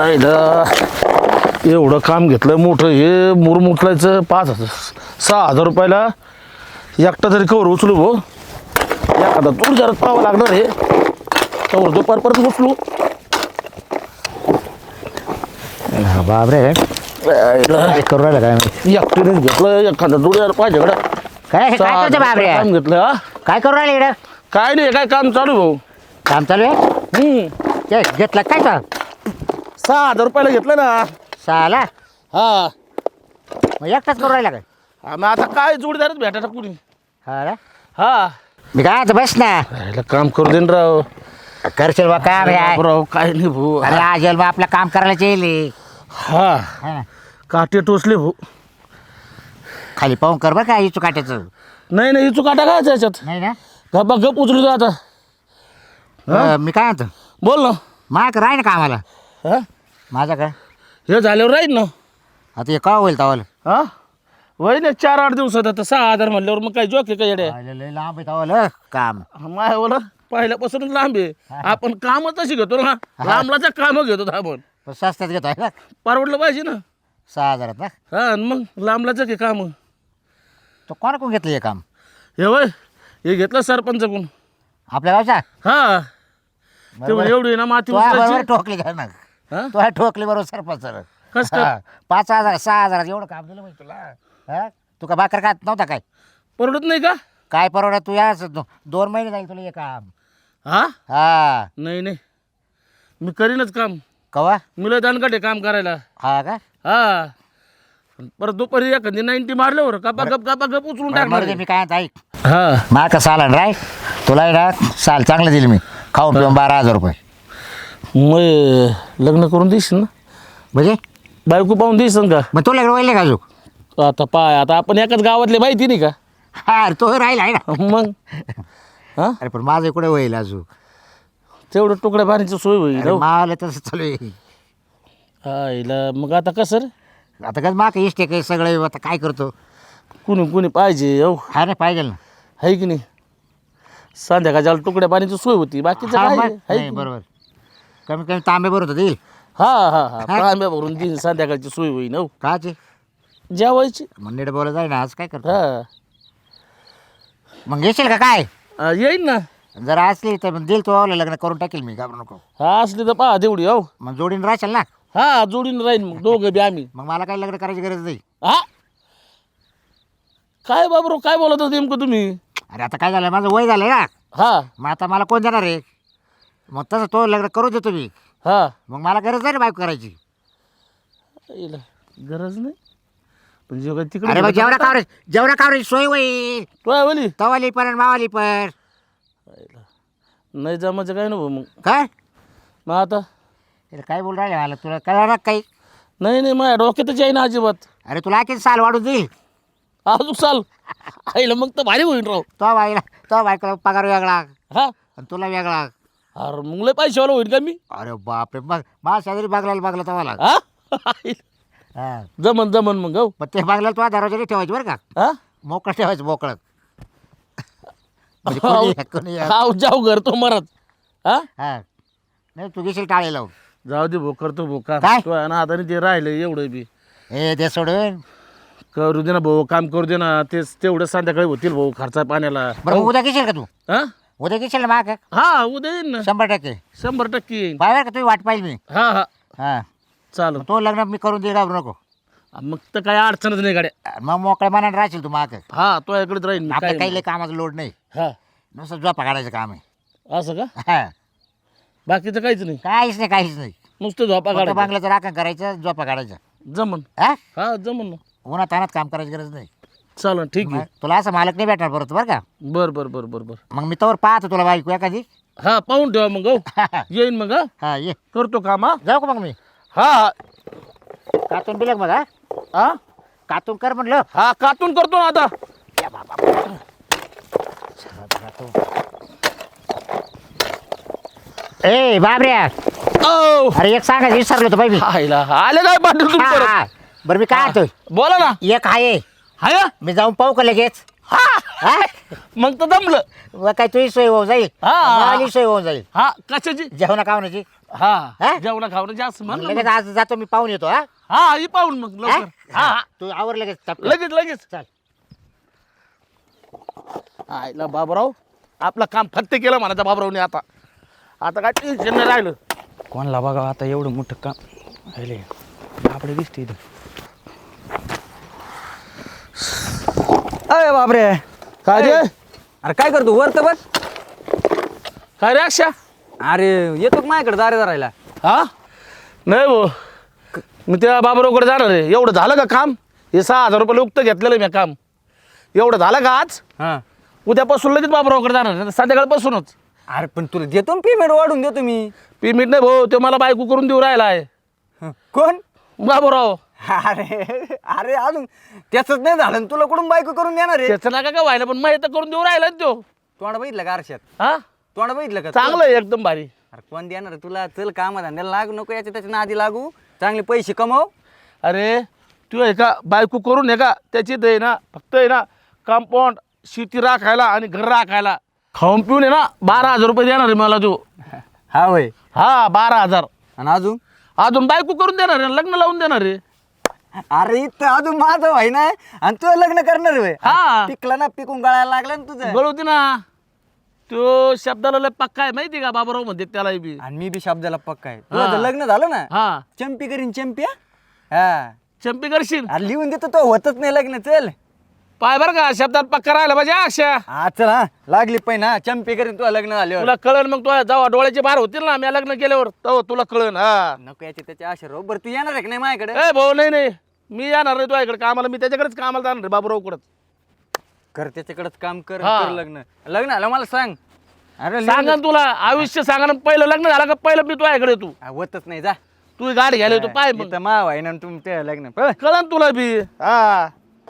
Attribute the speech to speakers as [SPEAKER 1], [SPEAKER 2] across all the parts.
[SPEAKER 1] एवढं काम घेतलं मोठं हे मुरुम उचलायचं 5,000 6,000 रुपयाला एकटा तरी कवर उचलू भाऊ एखादा दूर जरा पाहावं लागणार हे कवर दुपार परत उचलू
[SPEAKER 2] बापरे करू राहिला काय
[SPEAKER 1] एकटीनेच घेतलं एखादा दूर जरा पाहिजे
[SPEAKER 2] काय करतो बापरे
[SPEAKER 1] काम घेतलं हा
[SPEAKER 2] काय करू राहिले इकडं
[SPEAKER 1] काय नाही काय काम चालू भाऊ
[SPEAKER 2] काम चालू आहे ते घेतलं काय का
[SPEAKER 1] 6,000 रुपयाला घेतलं ना
[SPEAKER 2] 6ला
[SPEAKER 1] हा
[SPEAKER 2] मग एकटाच करू राहिला काय
[SPEAKER 1] मग आता काय जोडीदारच भेटायला कुणी
[SPEAKER 2] हा ना
[SPEAKER 1] हा
[SPEAKER 2] मी काय आता बस ना
[SPEAKER 1] राहिलं काम करू देन राव
[SPEAKER 2] करशील बा काम आहे
[SPEAKER 1] राव काय नाही भाऊ
[SPEAKER 2] अरे आजल मग आपलं काम करायला येईल
[SPEAKER 1] हा
[SPEAKER 2] ना
[SPEAKER 1] काटे टोचले भाऊ
[SPEAKER 2] खाली पाहून कर बरं काय इचू काट्याचं
[SPEAKER 1] नाही नाही इचू काटा काय याच्यात
[SPEAKER 2] नाही ना
[SPEAKER 1] गप्पा गप उचलू दे आता
[SPEAKER 2] मी काय म्हणतो
[SPEAKER 1] बोल ना
[SPEAKER 2] माग राही ना कामाला
[SPEAKER 1] हा
[SPEAKER 2] माझा काय
[SPEAKER 1] हे झाल्यावर राहील ना
[SPEAKER 2] आता हे का होईल तवाल
[SPEAKER 1] हा वय ना 4-8 दिवसात आता 6,000 म्हणल्यावर मग काय जोक आहे का येडे
[SPEAKER 2] लय लांब आहे तवाल काम
[SPEAKER 1] माय बोला पहिल्यापासूनच लांब आहे आपण कामच तशी घेतो ना लांबलाच काम घेतो आपण
[SPEAKER 2] पण स्वस्तात घेतो आहे ना
[SPEAKER 1] परवडलं पाहिजे ना
[SPEAKER 2] 6,000 ना
[SPEAKER 1] हा आणि मग लांबलाच आहे काम
[SPEAKER 2] तो कोण कोण घेतलं हे काम
[SPEAKER 1] हे वय हे घेतलं सरपंच कोण
[SPEAKER 2] आपल्या गावचा
[SPEAKER 1] हा ते म्हणे एवढी ना माती उचलायची.
[SPEAKER 2] ठोकली का ना
[SPEAKER 1] हा?
[SPEAKER 2] तो ठोकली बरोबर सरपंच
[SPEAKER 1] कस काय
[SPEAKER 2] 5,000 6,000 एवढं काम दिलं माहिती तुला हा तू का भाकर खात नव्हता काय
[SPEAKER 1] परवडत नाही का
[SPEAKER 2] काय परवडत तू याच 2 महिने जाईल तुला हे काम
[SPEAKER 1] हा
[SPEAKER 2] हा
[SPEAKER 1] नाही नाही मी करीनच काम
[SPEAKER 2] कवा
[SPEAKER 1] मुलं दानकाटे काम करायला
[SPEAKER 2] हा का
[SPEAKER 1] हा परत दुपारी एखादी 90 मारल्यावर कापा गप उचलून
[SPEAKER 2] बरं,
[SPEAKER 1] टाकणार
[SPEAKER 2] मरू दे, मी काय ऐक
[SPEAKER 1] हा
[SPEAKER 2] मा का साल आण राय तुला आहे ना साल चांगलं दिलं मी खाऊन पिऊन 12,000 रुपये
[SPEAKER 1] मग लग्न करून देशील ना
[SPEAKER 2] म्हणजे
[SPEAKER 1] बायको पाहून देशील का
[SPEAKER 2] मग तुला वळले का अजून
[SPEAKER 1] आता पाय आता आपण एकाच गावातले माहिती नाही का
[SPEAKER 2] हा अरे तो राहिला आहे ना
[SPEAKER 1] मग हा
[SPEAKER 2] अरे पण माझं कुठे होईल अजून
[SPEAKER 1] तेवढं तुकड्या पाण्याची सोय होईल हो.
[SPEAKER 2] मला तसं चालू आहे
[SPEAKER 1] हा हिला मग आता कसं रे
[SPEAKER 2] आता काय माग इष्ट काही सगळं आता काय करतो
[SPEAKER 1] कुणी पाहिजे हो
[SPEAKER 2] हा नाही पाहिजे ना
[SPEAKER 1] आहे की नाही संध्याकाळच्या तुकड्या पाण्याची सोय होती बाकीचं
[SPEAKER 2] हा,
[SPEAKER 1] काय
[SPEAKER 2] मग?
[SPEAKER 1] आहे की
[SPEAKER 2] नाही, बरोबर कमी कमी तांबे बरोबर देईल
[SPEAKER 1] हा हा हा तांब्या भरून देईन संध्याकाळची सोय होईल हो
[SPEAKER 2] काचे
[SPEAKER 1] जेवायची
[SPEAKER 2] मग नीट बोला जाईल ना आज काय करतो
[SPEAKER 1] हा
[SPEAKER 2] मग घेशील का काय
[SPEAKER 1] येईन ना
[SPEAKER 2] जर असली तर मग देईल तो लग्न करून टाकेल मी घाबरू नको
[SPEAKER 1] हा असली तर पहा तेवढी हो
[SPEAKER 2] मग जोडीन राहशील ना
[SPEAKER 1] हा जोडीन राहीन मग दोघं बी आम्ही
[SPEAKER 2] मग मला काही लग्न करायची गरज नाही
[SPEAKER 1] हा काय बाबरो काय बोलत होते नेमकं तुम्ही
[SPEAKER 2] अरे आता काय झालं माझं वय झालं ना
[SPEAKER 1] हा
[SPEAKER 2] मग आता मला कोण देणार आहे मग तसं तो लग्न करू देतो मी
[SPEAKER 1] हा
[SPEAKER 2] मग मला गरज नाही ना बायको करायची
[SPEAKER 1] हिला गरज नाही पण जेव्हा
[SPEAKER 2] अरे
[SPEAKER 1] तिकडे
[SPEAKER 2] मग जेवणा कावराची सोय होईल
[SPEAKER 1] काय बोली
[SPEAKER 2] तवाली पण आणि मावाली पण
[SPEAKER 1] नाही जमायचं काय नको मग
[SPEAKER 2] काय
[SPEAKER 1] मग आता
[SPEAKER 2] अरे काय बोल राहिले मला तुला कळणार काही
[SPEAKER 1] नाही नाही माझ्या डोक्यातच आहे ना अजिबात
[SPEAKER 2] अरे तुला आणखी साल वाढून देईल
[SPEAKER 1] अजून चाल आईला मग तर भारी होईल राव
[SPEAKER 2] तो बायकोला पगार वेगळा
[SPEAKER 1] हा
[SPEAKER 2] आणि तुला वेगळा
[SPEAKER 1] अरे मग लय पैशावाला होईल का मी
[SPEAKER 2] अरे बापरे मग माझ्या शेजारी बागलायला बागला तवाला
[SPEAKER 1] हा
[SPEAKER 2] हा
[SPEAKER 1] जमन मग हो
[SPEAKER 2] पण ते बागल्याला तुला दरवाजाने ठेवायची बरं का
[SPEAKER 1] हा
[SPEAKER 2] मोकळं ठेवायचं मोकळं म्हणजे कोणी या, कोणी या.
[SPEAKER 1] हा जाऊ घर तो मरत हा
[SPEAKER 2] हा नाही तू घेशील टाळे लावून
[SPEAKER 1] जाऊ दे भाऊ करतो भाऊ
[SPEAKER 2] काय?
[SPEAKER 1] काम तो आहे ना आता ते राहिलं एवढं बी
[SPEAKER 2] ए ते सोडून
[SPEAKER 1] करू दे ना भाऊ काम करू दे ना तेच तेवढं संध्याकाळी होतील भाऊ खर्चा पाण्याला
[SPEAKER 2] बरं मग उद्या घेशील का तू
[SPEAKER 1] हा
[SPEAKER 2] उद्या घेशील ना माग
[SPEAKER 1] हा उद्या येईन ना
[SPEAKER 2] 100%
[SPEAKER 1] 100% येईन
[SPEAKER 2] पाहिजे का तुम्ही वाट पाहिजे मी
[SPEAKER 1] हा हा
[SPEAKER 2] हा
[SPEAKER 1] चालेल
[SPEAKER 2] तो लग्न मी करून देईल घाबरू नको
[SPEAKER 1] मग तर काय अडचणच नाही गाड्या
[SPEAKER 2] मग मोकळ्या मनाने राहशील तू माग
[SPEAKER 1] हा तो याकडेच राहील मी
[SPEAKER 2] आपल्या
[SPEAKER 1] काय
[SPEAKER 2] काही लय कामाचं लोड नाही
[SPEAKER 1] हा
[SPEAKER 2] नुसतं झोपा काढायचं काम आहे
[SPEAKER 1] असं का
[SPEAKER 2] हा
[SPEAKER 1] बाकीचं काहीच नाही
[SPEAKER 2] काहीच नाही
[SPEAKER 1] नुसतं झोपा
[SPEAKER 2] फक्त
[SPEAKER 1] काढा
[SPEAKER 2] बांगल्याचं राखण करायचं झोपा काढायचं
[SPEAKER 1] जमन
[SPEAKER 2] हा
[SPEAKER 1] हा जमन ना
[SPEAKER 2] उन्हात तानात काम करायची गरज नाही
[SPEAKER 1] चालेल ठीक
[SPEAKER 2] मग
[SPEAKER 1] आहे
[SPEAKER 2] तुला असं मालक नाही भेटणार परत बरं का
[SPEAKER 1] बर
[SPEAKER 2] मग मी तवर पाहतो तुला बायको एखादी
[SPEAKER 1] हा पाहून ठेवा मग हो येईन मग हा
[SPEAKER 2] हा ये
[SPEAKER 1] करतो काम हा
[SPEAKER 2] जाऊ का मग मी
[SPEAKER 1] हा
[SPEAKER 2] कातून बिलक मग हा
[SPEAKER 1] हा
[SPEAKER 2] कातून कर म्हणलं
[SPEAKER 1] हा कातून करतो ना आता
[SPEAKER 2] ए बाबऱ्या
[SPEAKER 1] ओ
[SPEAKER 2] अरे एक सांगायचं विसरलो होतो बाई मी
[SPEAKER 1] हायला आले काय पाटील तुम्ही
[SPEAKER 2] हा,
[SPEAKER 1] परत?
[SPEAKER 2] हा. बरं मी काय म्हणतोय
[SPEAKER 1] बोला ना
[SPEAKER 2] एक आहे
[SPEAKER 1] हाय
[SPEAKER 2] मी जाऊन पाहू का लगेच
[SPEAKER 1] हा
[SPEAKER 2] हा
[SPEAKER 1] मग तर जमलं
[SPEAKER 2] मग काय तुझी सोय होऊन जाईल
[SPEAKER 1] हा.
[SPEAKER 2] माझी सोय होऊन जाईल
[SPEAKER 1] हा कशाची
[SPEAKER 2] जेवणा खावण्याची
[SPEAKER 1] हा जेवणा खावणं जास्त
[SPEAKER 2] मग
[SPEAKER 1] म्हण
[SPEAKER 2] लगेच आज जातो मी पाहून येतो हा
[SPEAKER 1] हा ही पाहून मग लवकर
[SPEAKER 2] हा?
[SPEAKER 1] हा
[SPEAKER 2] तू आवर लगेच टपकन.
[SPEAKER 1] लगेच लगेच
[SPEAKER 2] चल
[SPEAKER 1] आईला बाबराव आपलं काम फत्ते केलं म्हणायचं बाबरावने आता आता काय टेन्शन नाही राहिलं
[SPEAKER 3] कोणला बघा आता एवढं मोठं काम राहिले बापडे दिसते इथं. अरे बापरे
[SPEAKER 1] काय रे
[SPEAKER 3] अरे काय करतो वर तर बस.
[SPEAKER 1] काय रे अक्षा
[SPEAKER 3] अरे येतो का माझ्याकडे दारे धरायला.
[SPEAKER 1] हा नाही भाऊ मी त्या बाबरावकडे जाणार आहे एवढं झालं का काम हे 6,000 रुपये उक्त घेतलेलं मी काम एवढं झालं का आज
[SPEAKER 3] हा
[SPEAKER 1] उद्यापासून लगेच बाबरावकडे जाणार आहे संध्याकाळपासूनच
[SPEAKER 3] अरे पण तुला देतो पेमेंट वाढून देतो मी.
[SPEAKER 1] पेमेंट नाही भाऊ तो मला बायको करून देऊ राहिला आहे
[SPEAKER 3] हं, कोण
[SPEAKER 1] बाबराव
[SPEAKER 3] अरे अरे अजून त्याच नाही झालं आणि तुला कुठून बायको करून देणार आहे.
[SPEAKER 1] त्याचं नका का व्हायला पण माहिती करून देऊ राहिला ना तो
[SPEAKER 3] तोंड बघितलं का आरशात
[SPEAKER 1] हा
[SPEAKER 3] तोंड बघितलं का
[SPEAKER 1] चांगलं आहे एकदम भारी
[SPEAKER 3] अरे कोण देणार आहे तुला. चल कामा धंद्याला लागू नको याच्या त्याच्या नादी लागू चांगले पैसे कमव.
[SPEAKER 1] अरे तू आहे का बायको करून आहे का त्याची आहे ना फक्त आहे ना कंपाऊंड शेती राखायला आणि घर राखायला खाऊन पिऊन आहे ना 12,000 रुपये देणार आहे मला तू
[SPEAKER 3] हा होय
[SPEAKER 1] हा 12,000
[SPEAKER 3] आणि अजून
[SPEAKER 1] अजून बायको करून देणार आहे लग्न लावून देणार आहे
[SPEAKER 3] अरे इथं अजून माझं व्हाय ना आणि तू लग्न करणार होय.
[SPEAKER 1] हा.
[SPEAKER 3] पिकला ना पिकून गळायला लागला ना तुझं.
[SPEAKER 1] गळवती ना तो शब्दाला लय पक्का आहे माहिती का बाबराव म्हणते त्याला बी
[SPEAKER 3] आणि मी बी शब्दाला पक्का आहे. तुझं जर लग्न झालं ना
[SPEAKER 1] हा
[SPEAKER 3] चंपी करीन चंपी हा? हा
[SPEAKER 1] चंपी करशील
[SPEAKER 3] अरे लिहून देतो तो होतच नाही लग्न. चल
[SPEAKER 1] पाय बरं का शब्दात पक्का राहिला पाहिजे अक्षा
[SPEAKER 3] हा चल हा लागली पण हा चंपी करीन तुला लग्न झाल्यावर.
[SPEAKER 1] तुला कळण मग तू जेव्हा डोळ्याची बाहेर होतील ना मी लग्न केल्यावर तेव्हा तुला कळण हा
[SPEAKER 3] नको याचे त्याच्या आशा राहू. बरं तू येणार आहे का नाही माझ्याकडे.
[SPEAKER 1] ए भाऊ नाही मी येणार नाही तुझ्याकडे कामाला मी त्याच्याकडेच कामाला जाणार रे बाबरावकडेच
[SPEAKER 3] कर त्याच्याकडेच काम कर
[SPEAKER 1] हा.
[SPEAKER 3] कर लग्न लग्न आलं मला सांग. अरे
[SPEAKER 1] सांगा ना तुला आयुष्य सांगा ना पहिलं लग्न झालं का पहिलं मी तुझ्याकडे तू
[SPEAKER 3] होतच नाही जा.
[SPEAKER 1] तू गाडी घ्यायला येतो पाय मग
[SPEAKER 3] इथं माव आहे ना तुमचं लग्न पळ.
[SPEAKER 1] कळण तुला बी हा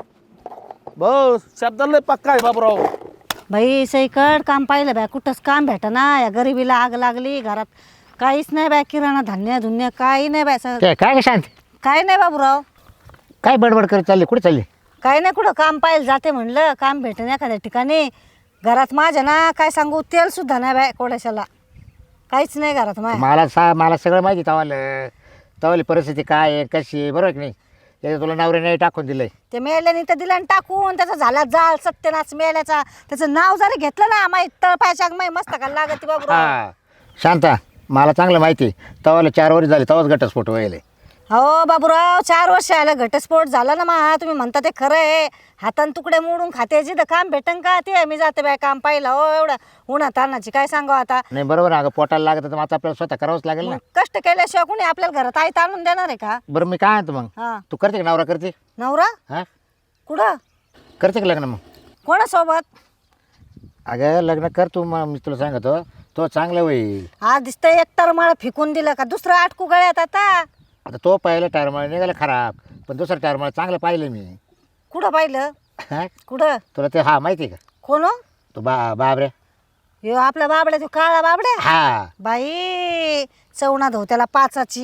[SPEAKER 1] भाऊ शब्दाला लय पक्का आहे बाबराव
[SPEAKER 4] बाई सईकड काम पाहिलं बाय कुठंच काम भेटना या गरिबीला आग लागली घरात काहीच नाही बाय किराणा धान्य धुन्य काही नाही बाय
[SPEAKER 2] काय काय ग शांत
[SPEAKER 4] काय नाही बाबूराव
[SPEAKER 2] काय बडबड करत चालली कुठे चालली
[SPEAKER 4] काही नाही कुठं काम पाहिलं जाते म्हणलं काम भेटेन एखाद्या ठिकाणी घरात माझ्या ना काय सांगू तेल सुद्धा नाही बाय कोड्याशाला काहीच नाही घरात माझ्या
[SPEAKER 2] मला सगळं माहिती तवाली परिस्थिती काय आहे कशी आहे बरोबर आहे की नाही त्याचं तुला नवऱ्याने टाकून दिलंय
[SPEAKER 4] ते मेल्याने तर दिला टाकून त्याचा झाला जाळ सत्यनाश मेल्याचा त्याचं नाव जरी घेतलं ना माहीत तळपायच्या माही मस्त का लागत बाबूराव
[SPEAKER 2] हा शांता मला चांगलं माहिती तवाला 4 वर्ष झाले तवाच घटस्फोट व्हायला
[SPEAKER 4] हो बाबूराव 4 वर्ष आलं घटस्फोट झाला ना मा तुम्ही म्हणता ते खरं आहे हातान तुकडे मोडून खाते जिथं काम भेटन का ते मी जाते बाय काम पाहिलं हो एवढं उन्हात तानाची काय सांगावं आता
[SPEAKER 2] नाही बरोबर अगं पोटाला लागत तर मग आता आपल्याला स्वतः करावंच लागेल ना
[SPEAKER 4] कष्ट केल्याशिवाय कोणी आपल्याला घरात आई आणून देणार आहे का
[SPEAKER 2] बरं मी काय म्हणतो मग
[SPEAKER 4] हा
[SPEAKER 2] तू करते का नवरा करते
[SPEAKER 4] नवरा
[SPEAKER 2] हा
[SPEAKER 4] कुठं
[SPEAKER 2] करते का लग्न मग
[SPEAKER 4] कोणासोबत
[SPEAKER 2] अगं लग्न कर तू मग मी तुला सांगतो तो चांगलं होईल
[SPEAKER 4] हा दिसतंय एकतर मला फेकून दिलं का दुसरं आटकू गळ्यात आता
[SPEAKER 2] आता तो पहिला टायरमाळ निघाला खराब पण दुसरा टायरमाळ चांगलं पाहिलं मी
[SPEAKER 4] कुठं पाहिलं
[SPEAKER 2] हा
[SPEAKER 4] कुठं
[SPEAKER 2] तुला ते हा माहिती आहे का
[SPEAKER 4] कोण हो?
[SPEAKER 2] तो बाबरे
[SPEAKER 4] ह्यो आपला बाबड्या तो काळा बाबड्या
[SPEAKER 2] हा
[SPEAKER 4] बाई चवणा धो त्याला 5ची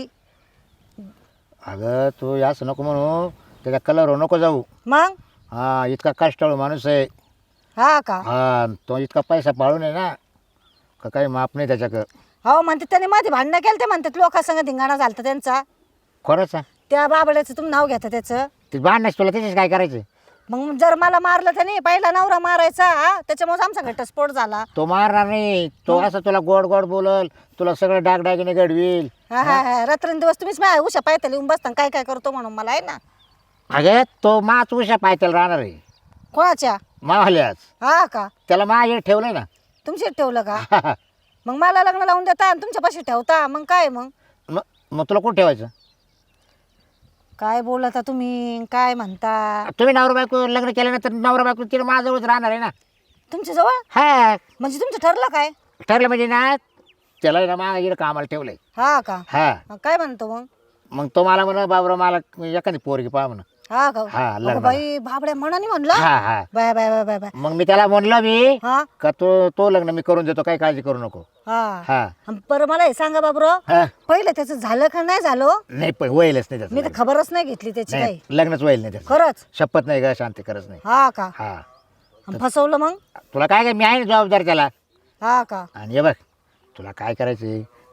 [SPEAKER 2] अगं तू असं नको म्हणू त्याच्या कलरवर नको जाऊ
[SPEAKER 4] मग
[SPEAKER 2] हा इतका कष्टाळू माणूस आहे
[SPEAKER 4] हा का
[SPEAKER 2] हा तो इतका पैसा पाळून आहे ना का काही माप नाही त्याच्याकडं
[SPEAKER 4] हो म्हणते त्याने मध्ये भांडणं केलं ते म्हणतात लोकांसंग धिंगाणा झालता त्यांचा
[SPEAKER 2] खरंच आहे.
[SPEAKER 4] त्या बाबड्याचं तुम्ही नाव घेता त्याचं
[SPEAKER 2] ते भांडणच तुला त्याच्याच काय करायचं
[SPEAKER 4] मग जर मला मारलं त्याने पहिला नवरा मारायचा हा त्याच्यामुळे आमचा घटस्फोट झाला
[SPEAKER 2] तो मारणार नाही तो असं तुला गोड गोड बोलल तुला सगळं डागडागिने घडवील
[SPEAKER 4] हा हा हा रात्रंदिवस तुम्हीच माझ्या उशा पायथ्याला येऊन बसता काय काय करतो म्हणून मला आहे ना
[SPEAKER 2] अगं तो माच उशा पायथ्याला राहणार आहे
[SPEAKER 4] कोणाच्या
[SPEAKER 2] मावाल्याच
[SPEAKER 4] हा का
[SPEAKER 2] त्याला माझ्या ठेवलंय ना
[SPEAKER 4] तुमच्या ठेवलं का मग मला लग्न लावून देता आणि तुमच्यापाशी ठेवता मग काय मग
[SPEAKER 2] मग तुला कुठं ठेवायचं
[SPEAKER 4] काय बोलता तुम्ही काय म्हणता
[SPEAKER 2] तुम्ही नवरा बायको लग्न केल्यानंतर नवरा बायको तिला माझ्याजवळच राहणार आहे ना
[SPEAKER 4] तुमच्या जवळ
[SPEAKER 2] हा
[SPEAKER 4] म्हणजे तुमचं ठरलं काय
[SPEAKER 2] ठरलं म्हणजे ना त्याला ना माझ्या इकडे कामाला ठेवलंय
[SPEAKER 4] हा का
[SPEAKER 2] हा
[SPEAKER 4] काय म्हणतो मग
[SPEAKER 2] मग तो मला म्हणा बाबरा मला एखादी पोरगी पहा म्हणा
[SPEAKER 4] हा का
[SPEAKER 2] हा,
[SPEAKER 4] अगं
[SPEAKER 2] लग्न.
[SPEAKER 4] बाई बाबड्या म्हणानी म्हणलं
[SPEAKER 2] हा हा
[SPEAKER 4] bye bye bye bye bye
[SPEAKER 2] मग मी त्याला म्हणलं मी
[SPEAKER 4] हा
[SPEAKER 2] का तो लग्न मी करून देतो काही काळजी करू नको
[SPEAKER 4] हा
[SPEAKER 2] हा
[SPEAKER 4] अन बरं मला हे सांगा बाबूराव
[SPEAKER 2] हा
[SPEAKER 4] पहिलं त्याचं झालं का नाही झालं
[SPEAKER 2] नाही पण होईलच नाही
[SPEAKER 4] मी
[SPEAKER 2] त्याचं
[SPEAKER 4] तर खबरच नाही घेतली त्याची
[SPEAKER 2] नाही
[SPEAKER 4] काही
[SPEAKER 2] लग्नच होईल नाही त्याचं
[SPEAKER 4] खरंच
[SPEAKER 2] शपथ नाही का शांती खरंच नाही
[SPEAKER 4] हा का
[SPEAKER 2] हा
[SPEAKER 4] अन फसवलं मग
[SPEAKER 2] तुला काय काय मी आहे ना जबाबदार त्याला
[SPEAKER 4] हा का
[SPEAKER 2] आणि हे बघ तुला काय करायचंय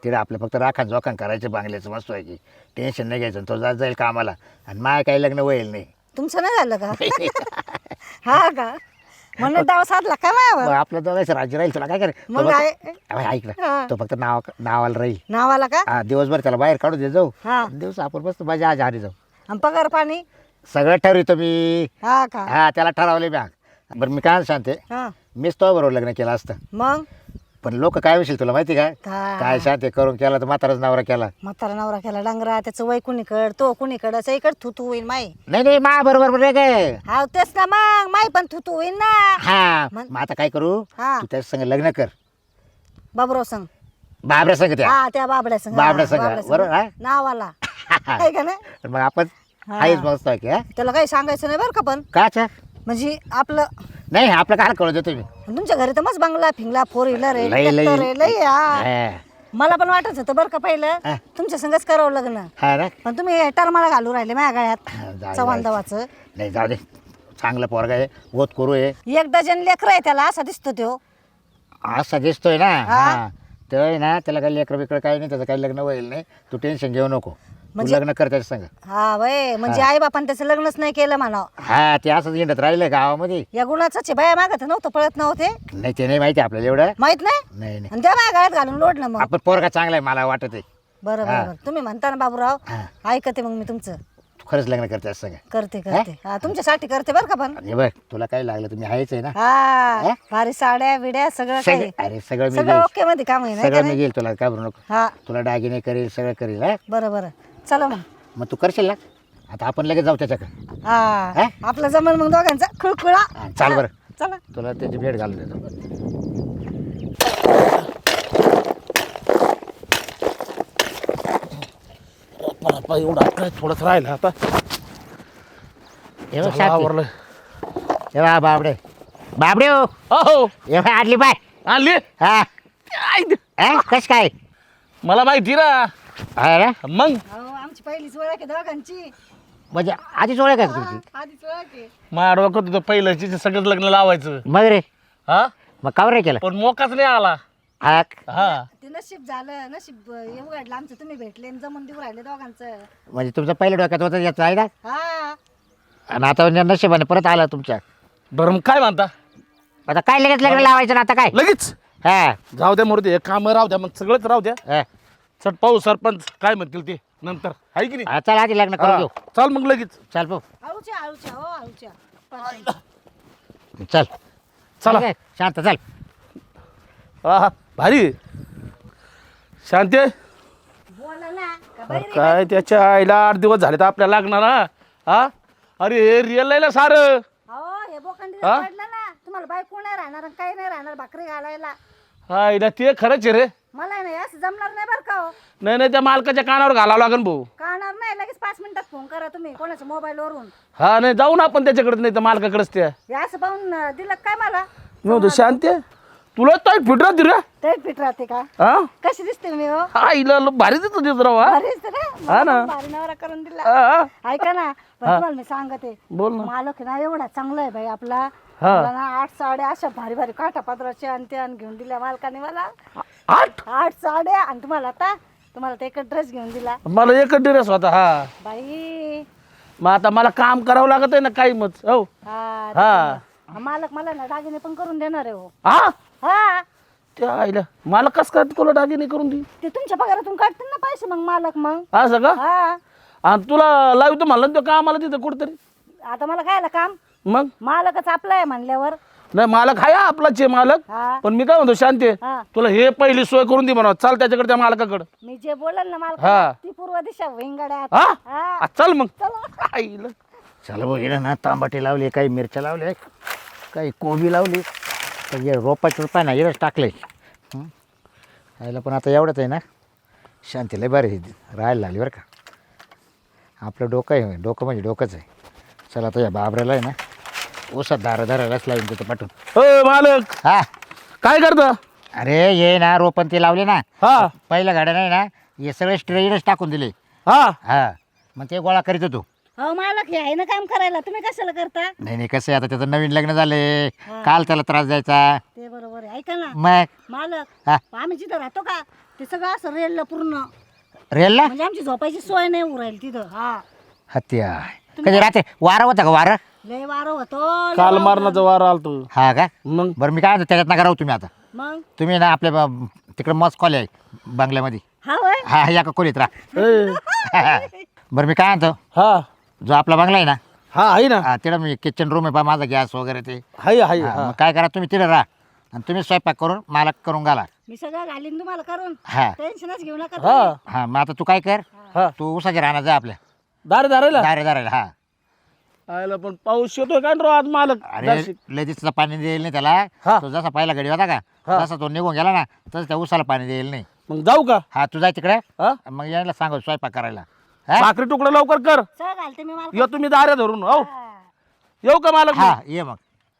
[SPEAKER 2] तिला आपलं फक्त राखण जोखण करायचं बांगल्याचं मस्त आहे की टेन्शन नाही घ्यायचं तो जात जाईल कामाला आणि माय काही लग्न होईल नाही
[SPEAKER 4] तुमचं नाही झालं का हा का म्हणून डाव साधला काय
[SPEAKER 2] मग
[SPEAKER 4] मायावर
[SPEAKER 2] आपलं दोघांचं राज्य राहील तुला काय करे
[SPEAKER 4] मग
[SPEAKER 2] ऐक ना
[SPEAKER 4] हा.
[SPEAKER 2] तो फक्त नावाला राहील
[SPEAKER 4] नावाला का
[SPEAKER 2] हा दिवसभर त्याला बाहेर काढू दे जाऊ
[SPEAKER 4] हा
[SPEAKER 2] दिवस आपण बसत माझ्या आज हारी जाऊ
[SPEAKER 4] आणि पगार पाणी
[SPEAKER 2] सगळं ठरवितो मी
[SPEAKER 4] हा का
[SPEAKER 2] हा त्याला ठरवले मी बरं मी काय सांगते
[SPEAKER 4] हा
[SPEAKER 2] मीच तो बरोबर लग्न केलं असतं
[SPEAKER 4] मग
[SPEAKER 2] पण लोक काय विषय तुला माहिती काय
[SPEAKER 4] काय?
[SPEAKER 2] काय शांती करून केला तर म्हाताराच नवरा केला
[SPEAKER 4] म्हातारा नवरा केला डांगरा त्याचं वय कुणीकड तो कुणीकड इकड थुतू होईल माई
[SPEAKER 2] नाही मा बरोबर रे गे
[SPEAKER 4] हा तेच ना मग माई पण थुतू होईल ना
[SPEAKER 2] हा
[SPEAKER 4] मग?
[SPEAKER 2] मग आता काय करू
[SPEAKER 4] हा.
[SPEAKER 2] तू त्याच्या संग लग्न कर
[SPEAKER 4] बाबराव संग
[SPEAKER 2] बाबऱ्या संग त्या
[SPEAKER 4] हा त्या बाबड्या संग
[SPEAKER 2] बाबड्या
[SPEAKER 4] हा,
[SPEAKER 2] संग,
[SPEAKER 4] बाबड्या संग.
[SPEAKER 2] बरोबर, हा?
[SPEAKER 4] नावाला आहे का नाही
[SPEAKER 2] मग आपण
[SPEAKER 4] हा.
[SPEAKER 2] आहेच मस्त आहे की हा?
[SPEAKER 4] त्याला काही सांगायचं नाही बरं का पण
[SPEAKER 2] काचा
[SPEAKER 4] म्हणजे आपलं
[SPEAKER 2] नाही आपलं काय कळू देतो मी
[SPEAKER 4] तुमच्या घरी तर मस्त बंगला फिंगला फोर व्हीलर आहे
[SPEAKER 2] लई- लई-
[SPEAKER 4] ट्रॅक्टर आहे लई हा.
[SPEAKER 2] हा.
[SPEAKER 4] मला पण वाटत होतं बरं का पहिलं
[SPEAKER 2] हा.
[SPEAKER 4] तुमच्या संगच करावं लग्न
[SPEAKER 2] हा ना
[SPEAKER 4] पण तुम्ही टरमाला घालू राहिले माझ्या
[SPEAKER 2] हा,
[SPEAKER 4] गळ्यात
[SPEAKER 2] जाऊ-
[SPEAKER 4] चव्हाण
[SPEAKER 2] जाऊ.
[SPEAKER 4] दवाचं
[SPEAKER 2] नाही जाऊ दे चांगलं पोरगा आहे गोत करू आहे
[SPEAKER 4] एक डझन लेकर आहे त्याला असा दिसतो तो
[SPEAKER 2] असा दिसतोय ना
[SPEAKER 4] हा.
[SPEAKER 2] हा ते आहे ना त्याला काही लेकरं बिकडं काही नाही त्याचं काही लग्न होईल नाही तू टेन्शन घेऊ नको तू
[SPEAKER 4] म्हणजे-
[SPEAKER 2] लग्न कर त्याच्या संग
[SPEAKER 4] हा वय म्हणजे आई बापान त्याचं लग्नच नाही केलं म्हणा
[SPEAKER 2] हा ते असंच हिंडत राहिलं गावामध्ये
[SPEAKER 4] या गुणाचाच आहे, बाया मागत नव्हतं पळत नव्हते
[SPEAKER 2] नाही ते नाही माहिती आपल्याला एवढं
[SPEAKER 4] माहित नाही
[SPEAKER 2] नाही नाही
[SPEAKER 4] आणि त्या माझ्या गळ्यात घालून लोडलं मग
[SPEAKER 2] आपण पोरगा चांगला आहे मला वाटत आहे
[SPEAKER 4] बरं
[SPEAKER 2] हा.
[SPEAKER 4] बरं बरं. तुम्ही म्हणता ना बाबूराव
[SPEAKER 2] हा.
[SPEAKER 4] ऐकते मग मी तुमचं
[SPEAKER 2] तू खरंच लग्न कर त्याच्या संग
[SPEAKER 4] करते करते हा तुमच्यासाठी करते बरं का पण
[SPEAKER 2] आणि बघ तुला काही लागलं तुम्ही आहेच आहे ना
[SPEAKER 4] हा
[SPEAKER 2] हा?
[SPEAKER 4] भारी साड्या विड्या सगळं काही
[SPEAKER 2] सगळं अरे सगळं मी
[SPEAKER 4] सगळं
[SPEAKER 2] घेईल
[SPEAKER 4] ओके मध्ये काम आहे नाही का
[SPEAKER 2] सगळं मी
[SPEAKER 4] नाही?
[SPEAKER 2] घेईल तुला काय बरू नको
[SPEAKER 4] हा
[SPEAKER 2] तुला दागिने करेल सगळं करेल हा
[SPEAKER 4] बरं बरं चला मग
[SPEAKER 2] मग तू करशील ना आता आपण लगेच जाऊ त्याच्याकडे
[SPEAKER 4] हा
[SPEAKER 2] हा?
[SPEAKER 4] आपलं जमल मग दोघांचा खुळखुळा
[SPEAKER 2] हा, चाल बरं.
[SPEAKER 4] चला
[SPEAKER 2] तुला त्याची भेट घालून देतो
[SPEAKER 1] बापा, एवढा काय थोडंच राहिलं आता
[SPEAKER 2] हे बघ
[SPEAKER 1] झालं,
[SPEAKER 2] शांती.
[SPEAKER 1] आवरलं.
[SPEAKER 2] हे बघ बाबडे बाबडे हो
[SPEAKER 1] अहो
[SPEAKER 2] हे बघ आडली बाय
[SPEAKER 1] आणली
[SPEAKER 2] हा
[SPEAKER 1] आई,
[SPEAKER 2] कस काय
[SPEAKER 1] मला माहिती ना
[SPEAKER 2] हा ना
[SPEAKER 1] मग
[SPEAKER 4] अहो आमची पहिलीच ओळख आहे दोघांची
[SPEAKER 2] म्हणजे आधीच ओळख आहे का तुमची
[SPEAKER 4] आधीच ओळख आहे
[SPEAKER 1] माझ्या डोक्यात होतं पहिलं सगळं लग्न लावायचं
[SPEAKER 2] मग रे
[SPEAKER 1] हा
[SPEAKER 2] मग कावर रे केलं
[SPEAKER 1] पण मोकाच नाही आला
[SPEAKER 2] हा
[SPEAKER 1] हा
[SPEAKER 4] ते नशीब झालं नशीब उघडलं आमचं तुम्ही भेटले आणि जमून देऊ राहिले दोघांचं
[SPEAKER 2] म्हणजे तुमचं पहिलं डोक्यात होतं याचं आहे ना
[SPEAKER 4] हा
[SPEAKER 2] आणि आता म्हणजे नशिबाने परत आला तुमच्या
[SPEAKER 1] बरं मग काय म्हणता
[SPEAKER 2] आता काय लगेच लग्न लावायचं ना आता काय
[SPEAKER 1] लगेच
[SPEAKER 2] हा
[SPEAKER 1] जाऊ द्या मोरते काम राहू द्या मग सगळंच राहू द्या
[SPEAKER 2] हा.
[SPEAKER 1] चट पाहू सरपंच काय म्हणतील ते नंतर आहे की नाही
[SPEAKER 2] हा, चल आधी लग्न करून घेऊ
[SPEAKER 1] हा, चाल मग लगेच
[SPEAKER 2] चल पाहू
[SPEAKER 4] आळूच्या आळूच्या हो आळूच्या
[SPEAKER 2] चल
[SPEAKER 1] चला.
[SPEAKER 2] ठीक आहे, शांत चल
[SPEAKER 1] हा भारी शांती
[SPEAKER 4] बोला ना का बाई रे?
[SPEAKER 1] काय त्याच्या आईला 8 दिवस झाले तर आपल्याला लागणार हा अरे हे रिअल लायला सारं
[SPEAKER 4] अहो हे बोखंडी
[SPEAKER 1] हा?
[SPEAKER 4] पडलं ना तुम्हाला बायको नाही राहणार आणि काही नाही राहणार भाकरी घालायला
[SPEAKER 1] आईला ते खरंच आहे रे
[SPEAKER 4] मला नाही असं जमणार नाही बरं का हो
[SPEAKER 1] नाही त्या मालकाच्या कानावर घालावं लागेल भाऊ
[SPEAKER 4] कळणार नाही लगेच 5 मिनिटात फोन करा तुम्ही कोणाच्या मोबाईलवरून
[SPEAKER 1] हा नाही जाऊ ना आपण त्याच्याकडे नाही तर मालकाकडेच त्या
[SPEAKER 4] हे असं पाहून दिलं काय मला
[SPEAKER 1] नव्हतं शांती तुला तर फिट राहते रे
[SPEAKER 4] तेच फिट राहते का
[SPEAKER 1] हा
[SPEAKER 4] कशी दिसते मी हो
[SPEAKER 1] आईला भारी देतो देत राव हा?
[SPEAKER 4] भारी दिसते ना
[SPEAKER 1] हा ना.
[SPEAKER 4] मला भारी नवरा करून दिला
[SPEAKER 1] हा,
[SPEAKER 4] ऐका ना पण तुम्हाला मी सांगते
[SPEAKER 1] बोल ना
[SPEAKER 4] मालक आहे ना एवढा चांगला आहे बाई आपला
[SPEAKER 1] हा.
[SPEAKER 4] मला ना 8 साड्या अशा भारी भारी काठा पदराच्या आणि त्या घेऊन दिल्या मालकाने मला
[SPEAKER 1] 8
[SPEAKER 4] 8 साड्या आणि तुम्हाला आता तुम्हाला ते एक ड्रेस घेऊन दिला
[SPEAKER 1] मला एकच ड्रेस होता हा
[SPEAKER 4] बाई
[SPEAKER 1] मग आता मला काम करावं लागत आहे ना काही मग हो
[SPEAKER 4] हा
[SPEAKER 1] हा
[SPEAKER 4] त्याच्यामुळं. मालक मला ना दागिने पण करून देणार आहे हो
[SPEAKER 1] हा
[SPEAKER 4] हा
[SPEAKER 1] त्या आईला मला कस काय तुला दागिने करून दे
[SPEAKER 4] ते तुमच्या पगारातून काढतील ना पैसे मग मालक मग
[SPEAKER 1] असं का
[SPEAKER 4] हा
[SPEAKER 1] आणि तुला लावतो म्हणलं ना तो कामाला तिथं कुठतरी
[SPEAKER 4] आता मला काय काम
[SPEAKER 1] मग
[SPEAKER 4] मालकच आपला आहे म्हणल्यावर
[SPEAKER 1] नाही मालक आहे आपलाच आहे मालक
[SPEAKER 4] हा
[SPEAKER 1] पण मी काय म्हणतो शांती
[SPEAKER 4] हा
[SPEAKER 1] तुला हे पहिली सोय करून दे म्हणा चाल त्याच्याकडे त्या मालकाकडं
[SPEAKER 4] मी जे बोलल ना मालक
[SPEAKER 1] हा.
[SPEAKER 4] ती पूर्व दिशा वेंगड्यात
[SPEAKER 1] हा
[SPEAKER 4] हा
[SPEAKER 1] आ, चल मग
[SPEAKER 4] चला
[SPEAKER 1] आईला
[SPEAKER 2] चल भाऊ हिला ना तांबाटे लावले काही मिरच्या लावल्या काही कोबी लावली तर हे रोपाचे रुपये ना हिरच टाकले यायला पण आता एवढंच आहे ना शांती लय बरं राहायला लागली बरं का आपलं डोकं आहे डोकं म्हणजे डोकंच आहे चला आता या बाबऱ्याला आहे ना ओसात धारायलाच लावून तिथं पाठवून
[SPEAKER 1] हो मालक
[SPEAKER 2] हा
[SPEAKER 1] काय करता
[SPEAKER 2] अरे ये ना रोपण ते लावले ना
[SPEAKER 1] हा
[SPEAKER 2] पहिल्या गाड्या नाही ना हे सगळे स्ट्रेनच टाकून दिले
[SPEAKER 1] हा
[SPEAKER 2] हा मग ते गोळा करीत होतो
[SPEAKER 4] हो मालक हे आहे ना काम करायला तुम्ही कशाला करता
[SPEAKER 2] नाही कसं आहे आता त्याचं नवीन लग्न झाले काल त्याला त्रास द्यायचा
[SPEAKER 4] ते बरोबर आहे ऐका ना
[SPEAKER 2] मग
[SPEAKER 4] मालक
[SPEAKER 2] हा
[SPEAKER 4] आम्ही जिथं राहतो का ते सगळं असं रेलला पूर्ण,
[SPEAKER 2] रेलला
[SPEAKER 4] म्हणजे आमची झोपायची सोय नाही उरायला तिथं. हा
[SPEAKER 2] हत्या कधी रात्री वारं होतं का वारं?
[SPEAKER 4] लय वारं होतो, लय
[SPEAKER 1] काल
[SPEAKER 4] वारं.
[SPEAKER 1] मारण्याचा वारा आलतो.
[SPEAKER 2] हा का?
[SPEAKER 1] मग
[SPEAKER 2] बरं मी काय म्हणतो त्याच्यात नका राहू तुम्ही आता.
[SPEAKER 4] मग
[SPEAKER 2] तुम्ही ना आपल्या तिकडे मस्त कॉल आहे बंगल्यामध्ये.
[SPEAKER 4] हा होय.
[SPEAKER 2] हा या का खोलीत राहा.
[SPEAKER 1] ए,
[SPEAKER 2] बरं मी काय म्हणतो
[SPEAKER 1] हा
[SPEAKER 2] जो आपला बंगला आहे ना
[SPEAKER 1] हा आहे ना,
[SPEAKER 2] तिकडं मी किचन रूम आहे पहा माझा गॅस वगैरे ते.
[SPEAKER 1] हाय हाय.
[SPEAKER 2] हा,
[SPEAKER 1] हा
[SPEAKER 2] मग काय करा तुम्ही तिकडे राहा आणि तुम्ही स्वयंपाक करून मला करून घाला.
[SPEAKER 4] मी सगळं घालीन तुम्हाला करून,
[SPEAKER 2] हा
[SPEAKER 4] टेन्शनच घेऊ नका
[SPEAKER 1] हा
[SPEAKER 4] तुम्ही.
[SPEAKER 2] हा मग आता तू काय कर
[SPEAKER 1] हा
[SPEAKER 2] तू उसाच्या राहणार जा आपल्या
[SPEAKER 1] दारे दारेला
[SPEAKER 2] दारे दारे हा.
[SPEAKER 1] आयला पण पाऊस येतोय का रो आज मालक
[SPEAKER 2] अरे
[SPEAKER 1] जाशील.
[SPEAKER 2] लगेच पाणी देईल नाही त्याला.
[SPEAKER 1] हा.
[SPEAKER 2] तो जसा पहिला गडी होता का
[SPEAKER 1] हा.
[SPEAKER 2] जसा तो निघून गेला ना तसं त्या उसाला पाणी देईल नाही.
[SPEAKER 1] मग जाऊ का?
[SPEAKER 2] हा तू जाय तिकडे
[SPEAKER 1] हा
[SPEAKER 2] मग यायला सांगू स्वयंपाक करायला. हा?
[SPEAKER 1] भाकरी तुकडा लवकर कर.
[SPEAKER 4] सगळं घालते मी मला.
[SPEAKER 1] येऊ तुम्ही दाऱ्या धरून हो.
[SPEAKER 4] हा.
[SPEAKER 1] येऊ का मालक?
[SPEAKER 2] हा ये मग.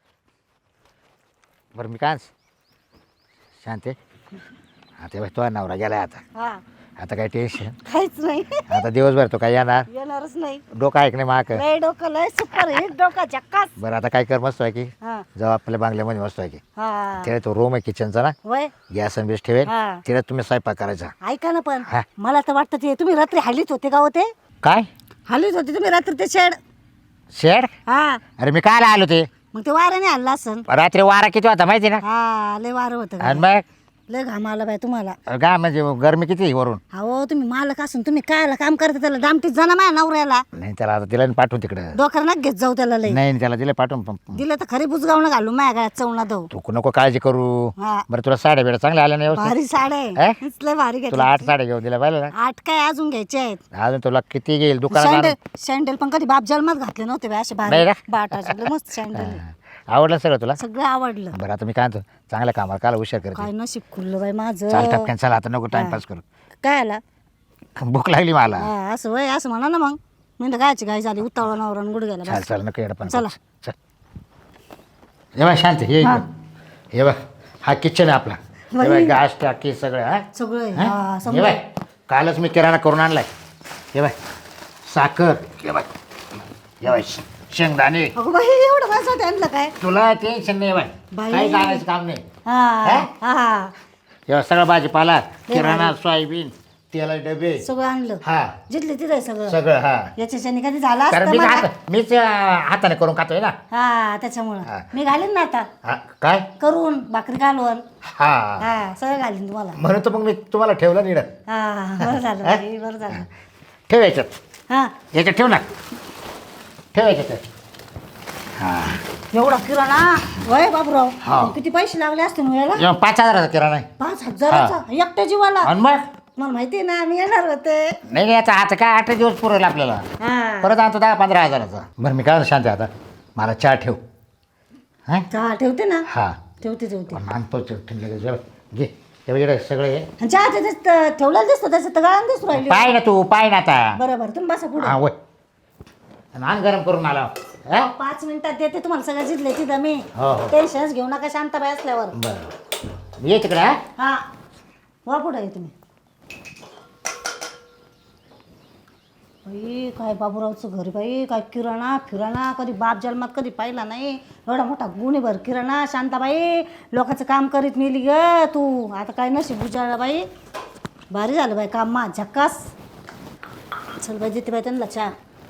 [SPEAKER 2] बरं मी काय शांत आहे. आता बाई तो नवरा गेलाय आता.
[SPEAKER 4] हा
[SPEAKER 2] आता काय टेन्शन.
[SPEAKER 4] काहीच नाही.
[SPEAKER 2] आता दिवसभर तो काय येणार
[SPEAKER 4] येणारच नाही.
[SPEAKER 2] डोकं ऐक नाही माक.
[SPEAKER 4] लय डोकं लय सुपर हिट डोकं झक्कास.
[SPEAKER 2] बरं आता काय कर मस्त आहे की
[SPEAKER 4] हा
[SPEAKER 2] जाऊ आपल्या बांगल्यामध्ये मस्त आहे की
[SPEAKER 4] हा
[SPEAKER 2] तिकडे तो रूम आहे किचनचा ना
[SPEAKER 4] वय
[SPEAKER 2] गॅस आणि बेस ठेवेल
[SPEAKER 4] हा.
[SPEAKER 2] तिकडे तुम्ही स्वयंपाक करायचा.
[SPEAKER 4] ऐका ना पण
[SPEAKER 2] हा.
[SPEAKER 4] मला तर वाटतं ते तुम्ही रात्री हल्लीत होते का होते?
[SPEAKER 2] काय
[SPEAKER 4] हल्लीत होते तुम्ही रात्री ते शेड.
[SPEAKER 2] शेड?
[SPEAKER 4] हा
[SPEAKER 2] अरे मी काय आलो ते
[SPEAKER 4] मग ते वाऱ्याने हल्ला असन.
[SPEAKER 2] रात्री वारा किती होता माहिती ना.
[SPEAKER 4] हा लय वारं होतं
[SPEAKER 2] आणि
[SPEAKER 4] का?
[SPEAKER 2] मग
[SPEAKER 4] लय घाम आला बाय तुम्हाला.
[SPEAKER 2] काय म्हणजे गरमी किती वरून.
[SPEAKER 4] हो तुम्ही मालक असून तुम्ही कायला काम करता त्याला डामटीत जाणं माझ्या नवऱ्याला.
[SPEAKER 2] नाही त्याला आता तिला पाठवून तिकडे.
[SPEAKER 4] डोक्याला नका घेत जाऊ त्याला लय.
[SPEAKER 2] नाही त्याला दिलं पाठवून
[SPEAKER 4] दिलं तर खरी बुजगावणं घालू माझ्या गळ्यात चवणा दऊ.
[SPEAKER 2] तू नको काळजी करू.
[SPEAKER 4] हा
[SPEAKER 2] बरं तुला साड्या बिड्या चांगल्या आल्या नाही व्यवस्थित?
[SPEAKER 4] भारी साड्या
[SPEAKER 2] हे?
[SPEAKER 4] आहे. लय भारी
[SPEAKER 2] तुला
[SPEAKER 4] घेतल्या.
[SPEAKER 2] 8 साड्या घेऊन दिल्या पाहिजे ना.
[SPEAKER 4] 8 काय अजून घ्यायचे आहेत.
[SPEAKER 2] अजून तुला किती घेईल दुकानात
[SPEAKER 4] सँडल
[SPEAKER 2] आणून?
[SPEAKER 4] सँडल पण कधी बाप जन्मात घातले नव्हते बाय असे
[SPEAKER 2] नाही
[SPEAKER 4] भारी
[SPEAKER 2] का?
[SPEAKER 4] बाटाचे लय मस्त सँडल.
[SPEAKER 2] आवडलं सगळं तुला?
[SPEAKER 4] सगळं आवडलं.
[SPEAKER 2] बरं आता मी काय म्हणतो चांगल्या कामाला काला हुशार करते.
[SPEAKER 4] काय नशीब खुललं बाई
[SPEAKER 2] चाल
[SPEAKER 4] माझं.
[SPEAKER 2] टपक्यान चला आता नको टाइमपास करू.
[SPEAKER 4] काय आला
[SPEAKER 2] भूक लागली मला.
[SPEAKER 4] हा, असं वय असं म्हणा ना मग. मी तर गायची गाय झाली उतावळा नवरा गुड गेला
[SPEAKER 2] चाल
[SPEAKER 4] बस.
[SPEAKER 2] चाल नको येडं पण
[SPEAKER 4] चला.
[SPEAKER 2] चल ये बाय शांत ये
[SPEAKER 4] हा.
[SPEAKER 2] इकडं. हे बघ हा किचन आहे आपला. हे
[SPEAKER 4] बाई.
[SPEAKER 2] बाय गॅस टाकी सगळं हा
[SPEAKER 4] सगळं
[SPEAKER 2] हा?
[SPEAKER 4] हा,
[SPEAKER 2] हे
[SPEAKER 4] समजा.
[SPEAKER 2] बाय कालच मी किराणा करून आणलाय. हे बाय साखर. हे बाय हे बाय शेंगदाणे.
[SPEAKER 4] अगं बाई एवढं माणसात आणलं काय?
[SPEAKER 2] तुला टेन्शन नाही बाय
[SPEAKER 4] बाई.
[SPEAKER 2] काही जाण्याचं काम नाही.
[SPEAKER 4] हा हा
[SPEAKER 2] हे सगळं भाजीपाला किराणा सोयाबीन तेला डबे
[SPEAKER 4] सगळं आणलं.
[SPEAKER 2] हा
[SPEAKER 4] जिथले तिथे सगळं.
[SPEAKER 2] सगळं हा.
[SPEAKER 4] याच्याने कधी झाला
[SPEAKER 2] कारण
[SPEAKER 4] असतं मला.
[SPEAKER 2] मीच हाताने करून खातोय ना.
[SPEAKER 4] हा त्याच्यामुळं
[SPEAKER 2] हा.
[SPEAKER 4] मी घालीन ना आता
[SPEAKER 2] हा, काय
[SPEAKER 4] करून भाकरी घालून.
[SPEAKER 2] हा
[SPEAKER 4] हा सगळं घालीन तुम्हाला.
[SPEAKER 2] म्हणून तर मग मी तुम्हाला ठेवलं निड.
[SPEAKER 4] हा बरं झालं बाई, बरं झालं.
[SPEAKER 2] ठेव याच्यात
[SPEAKER 4] हा
[SPEAKER 2] याच्यात ठेव ना. ठेव याच्यात. हा
[SPEAKER 4] एवढा किराणा वय बाबूराव.
[SPEAKER 2] हा.
[SPEAKER 4] किती पैसे लागले असते मग याला?
[SPEAKER 2] जेव्हा 5,000चा किराणा आहे.
[SPEAKER 4] 5,000चा एकट्या जीवाला.
[SPEAKER 2] आणि मग
[SPEAKER 4] मला माहिती आहे ना मी येणार होते.
[SPEAKER 2] नाही याचा आता काय 8 दिवस पुरेल आपल्याला.
[SPEAKER 4] हा
[SPEAKER 2] परत आणतो 10-15 हजाराचा. बरं मी काय म्हणतो शांती आता मला चहा ठेव. हा
[SPEAKER 4] चहा ठेवते ना.
[SPEAKER 2] हा
[SPEAKER 4] ठेवते.
[SPEAKER 2] आणतो लगेच घे. हे बघ सगळं हे
[SPEAKER 4] आणि चहा त्याच्यात ठेवलेलं दिसतं त्याच्यात तर गाळण दिसू राहिली.
[SPEAKER 2] पाय ना तू पाय ना आता.
[SPEAKER 4] बरोबर तुम्ही बसा पुढे.
[SPEAKER 2] हा वय आणि आण गरम करून मला. हा
[SPEAKER 4] 5 मिनिटात देते तुम्हाला सगळं जिथले तिथं मी.
[SPEAKER 2] हो हो
[SPEAKER 4] टेन्शनच घेऊ नका शांताबाई असल्यावर.
[SPEAKER 2] बरं ये तिकडे. हा
[SPEAKER 4] हा वा पुढे आहे तुम्ही. बाई काय बाबूरावचं घर बाई काय किराणा फिराणा कधी बाप जन्मात कधी पाहिला नाही. एवढा मोठा गुन्हेभर किराणा. शांताबाई लोकांचं काम करीत नेली ग तू. आता काय नशीब उजाळला बाई. भारी झालं बाई काम मा झक्कास. चल बाई देते बाई त्यांना चहा.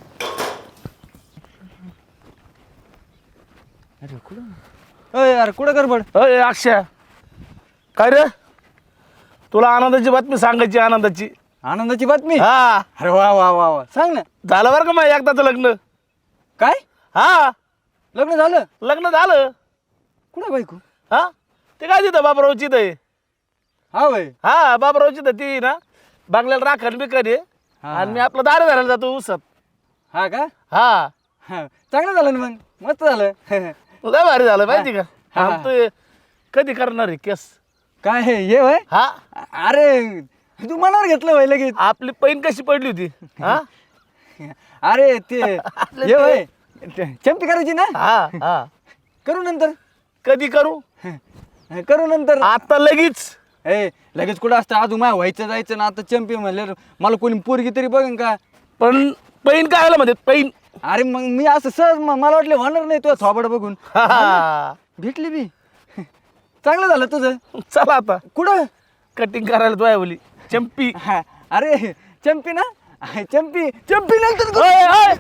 [SPEAKER 3] अरे कुठं गडबड?
[SPEAKER 1] अय अक्षय काय रे, तुला आनंदाची बातमी सांगायची. आनंदाची.
[SPEAKER 3] आनंदाची बातमी?
[SPEAKER 1] हा
[SPEAKER 3] अरे वा वा वा वा सांग ना.
[SPEAKER 1] झालं बरं का मग एकदाचं लग्न.
[SPEAKER 3] काय
[SPEAKER 1] हा
[SPEAKER 3] लग्न झालं?
[SPEAKER 1] लग्न झालं.
[SPEAKER 3] कुठं बायको?
[SPEAKER 1] हा ते काय तिथं बाबरावची आहे.
[SPEAKER 3] हा बाई.
[SPEAKER 1] हा बाबरावची तर ती ना बांगल्याला राखण बिकन आहे.
[SPEAKER 3] हा.
[SPEAKER 1] आणि मी आपलं दारे धरायला जातो उसत.
[SPEAKER 3] हा का?
[SPEAKER 1] हा
[SPEAKER 3] हा चांगलं झालं ना मग. मस्त झालं.
[SPEAKER 1] लय भारी झालं माहिती का.
[SPEAKER 3] हा.
[SPEAKER 1] हा, तू कधी करणार आहे केस?
[SPEAKER 3] काय हे ये वय?
[SPEAKER 1] हा
[SPEAKER 3] अरे तू मनावर घेतलं वय लगेच.
[SPEAKER 1] आपली पैन कशी पडली होती. हा
[SPEAKER 3] अरे ते ये वय चंपी करायची ना.
[SPEAKER 1] हा हा
[SPEAKER 3] करू नंतर.
[SPEAKER 1] कधी करू?
[SPEAKER 3] करू नंतर.
[SPEAKER 1] आता लगेच.
[SPEAKER 3] ए लगेच कुठं असतं अजून माझ्या व्हायचं जायचं ना. आता चंपी म्हणलं मला कोणी पोरगी तरी बघन का.
[SPEAKER 1] पण पैन काय आलं मध्ये पैन.
[SPEAKER 3] अरे मग मी असं सहज मला वाटलं होणार नाही तुझं थोबड बघून.
[SPEAKER 1] हा.
[SPEAKER 3] भेटली बी. चांगलं झालं तुझं.
[SPEAKER 1] चला आता
[SPEAKER 3] कुठं?
[SPEAKER 1] कटिंग करायला तो आहे बोली चंपी.
[SPEAKER 3] हा, अरे चंपी ना, चंपी चंपी नंतर
[SPEAKER 1] ओय, ओय.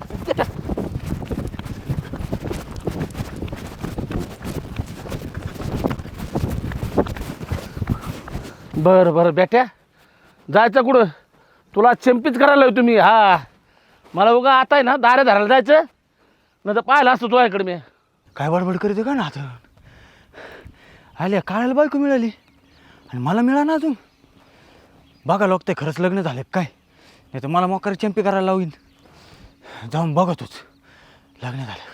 [SPEAKER 1] बरं बरं बेट्या, जायचं कुठं? तुला चंपीच करायला हवी तुम्ही. हा, मला उगा आता आहे ना दारे धरायला जायचं, नाही तर पाहिलं असतं तुझ्याकडे मी.
[SPEAKER 3] काय बडबड करते का ना आता? आल्या काळाला बायको मिळाली आणि मला मिळा ना अजून. बघा लोक ते खरंच लग्न झाले काय, नाही तर मला मोकर चंपी करायला लावीन. जाऊन बघतोच लग्न झालं.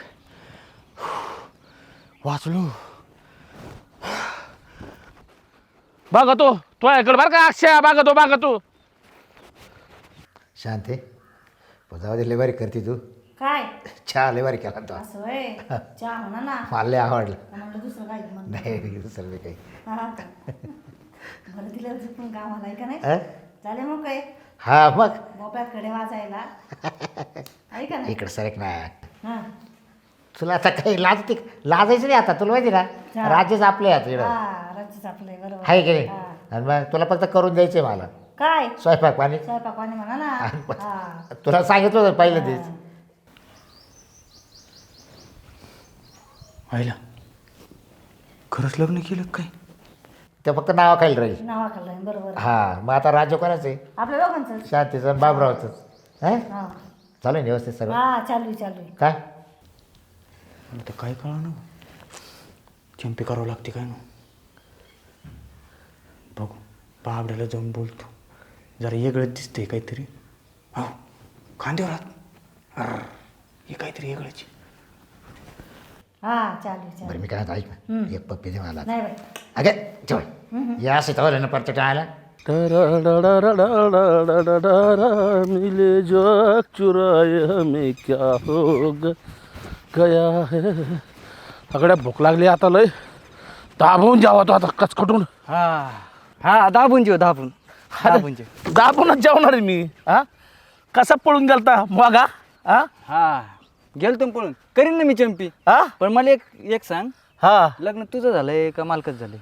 [SPEAKER 3] वाचलो.
[SPEAKER 1] बघा तो तुझ्याकडे बरं का अक्षय, बघा तो.
[SPEAKER 2] शांत आहे. जाऊ दे, लय भारी करते तू.
[SPEAKER 4] काय
[SPEAKER 2] चहा लय भारी केला तो.
[SPEAKER 4] असं होय, चहा म्हणा ना.
[SPEAKER 2] मला लय आवडलं.
[SPEAKER 4] म्हणलं दुसरं काय म्हणलं.
[SPEAKER 2] नाही दुसरं बी काही.
[SPEAKER 4] हा का? बरं दिलं झुकून कामाला आहे का नाही?
[SPEAKER 2] अं?
[SPEAKER 4] झाले मग काय
[SPEAKER 2] हा मग
[SPEAKER 4] बोप्याकडे वाजायला आहे का नाही?
[SPEAKER 2] इकडं सरक ना.
[SPEAKER 4] हा
[SPEAKER 2] तुला आता काही लाजायचं नाही आता, तुला माहिती ना
[SPEAKER 4] हा.
[SPEAKER 2] राज्यच आपले आता इकडं
[SPEAKER 4] हा राज्यच आपलं आहे, बरोबर
[SPEAKER 2] आहे की नाही.
[SPEAKER 4] हा.
[SPEAKER 2] आणि मग तुला फक्त करून द्यायचंय मला
[SPEAKER 4] काय
[SPEAKER 2] स्वयंपाक पाणी.
[SPEAKER 4] स्वयंपाकवाणी म्हणा ना. हा
[SPEAKER 2] तुला सांगितलं होतं पहिलं तेच.
[SPEAKER 3] व्हायला खरंच लग्न केलं काय?
[SPEAKER 2] ते फक्त नावाखाली राहील.
[SPEAKER 4] नावाखालं आहे, बरोबर
[SPEAKER 2] हा मग आता राज्य कोणाचं आहे?
[SPEAKER 4] आपल्या दोघांचं.
[SPEAKER 2] शांतीचं आणि बाबरावचं. हा
[SPEAKER 4] हा
[SPEAKER 2] चालू आहे ना व्यवस्थित सगळं?
[SPEAKER 4] हा चालू आहे.
[SPEAKER 2] काय
[SPEAKER 3] आता काय कळा ना, चंपी करावं लागते काय ना. बघू बाबड्याला जाऊन बोलतो, जरा वेगळंच दिसतंय काहीतरी. हो खांद्यावर हात, हे काहीतरी वेगळंच.
[SPEAKER 4] हा चालू आहे.
[SPEAKER 2] बरं मी काय म्हणतो, ऐक ना, एक पप्पी दे मला.
[SPEAKER 4] नाही बाई
[SPEAKER 2] अगे जेवण या असं तवलं ना परत टाळायला.
[SPEAKER 1] मिले जो चुराए हमें क्या हो गया है. सगळ्या भूक लागली आता, लय दाबून जावा तो आता कचकटून.
[SPEAKER 3] हा हा दाबून जेव दाबून जेव.
[SPEAKER 1] दाबूनच जेवणार आहे मी. हा कसा पळून गेलता मगा? हा
[SPEAKER 3] हा गेलतो ना पळून, करीन ना मी चंपी.
[SPEAKER 1] हा
[SPEAKER 3] पण मला एक सांग,
[SPEAKER 1] हा
[SPEAKER 3] लग्न तुझं झालंय का मालकच झालंय?